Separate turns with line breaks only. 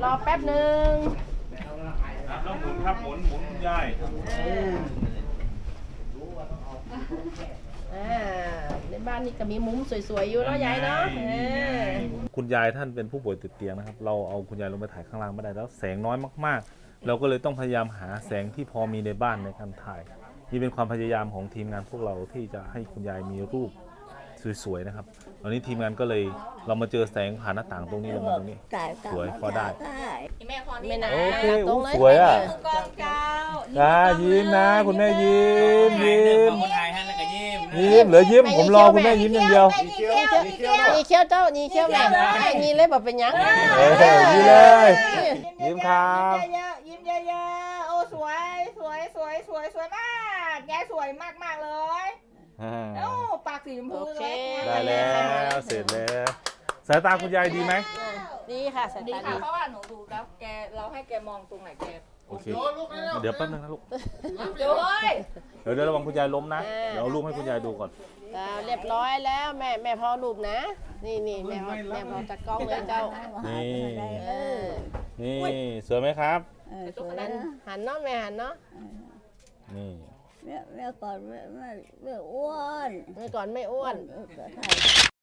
อแป๊บหนึ่ง
ต้องหมุนครับหมุนคุณยาย
ในบ้านนี่ก็มีมุมสวยๆอยู่เนาะยายเนาะ
คุณยายท่านเป็นผู้ป่วยติดเตียงนะครับเราเอาคุณยายลงไปถ่ายข้างล่างไม่ได้แล้วแสงน้อยมากๆเราก็เลยต้องพยายามหาแสงที่พอมีในบ้านในการถ่ายนี่เป็นความพยายามของทีมงานพวกเราที่จะให้คุณยายมีรูปสวยๆนะครับตอนนี้ทีมงานก็เลยเรามาเจอแสงผ่านหน้าต่างตรงนี้ลงมาตรงนี้สวยพอได้
แม่คอนี่
ไม่นาน
โอเค
ตรงเลย
สวยอ่ะ
กองเจ้า
ยิ้มนะคุณแม่ยิ้ม
คนไทยท่านแล้วก็ยิ้ม
ยิ้มเหลือยิ้มผมรอคุณแม่ยิ้มอย่างเดียว
นี่เคี้ยวเจ้านี่เคี้ยวแม่นี่เลยแบบเป็นยัง
ยิ้มเลยยิ้มครับ
ยิ้มเยอะๆโอ้สวยมากแกสวยมากเลยโอ้ปากสีชมพูเลย
ได้แล้วเสร็จแล้วสายตาคุณยายดีไหม
ดีค่ะสาย
ดี
ตา
ค่ะ
ดี
เพราะว่าหนูดูแล้วเราให้แกมองตรงไหนแก
โอเคเดี๋ยวแป๊บนึงนะลูก
เดี๋ยวเฮ้ย
เดี๋ยวระวังคุณยายล้มนะเดี๋ยวเอารูปให้คุณยายดูก่อน
เรียบร้อยแล้วแม่พอรูปนะนี่แม่พอจัดกล้องเลยเจ้า
นี่
เออ
นี่สวยไหมครับ
หันเนาะแม่หันเนาะ
นี่
แม่ก่อนแม่อ้วน
เมื่อก่อนไม่อ้วน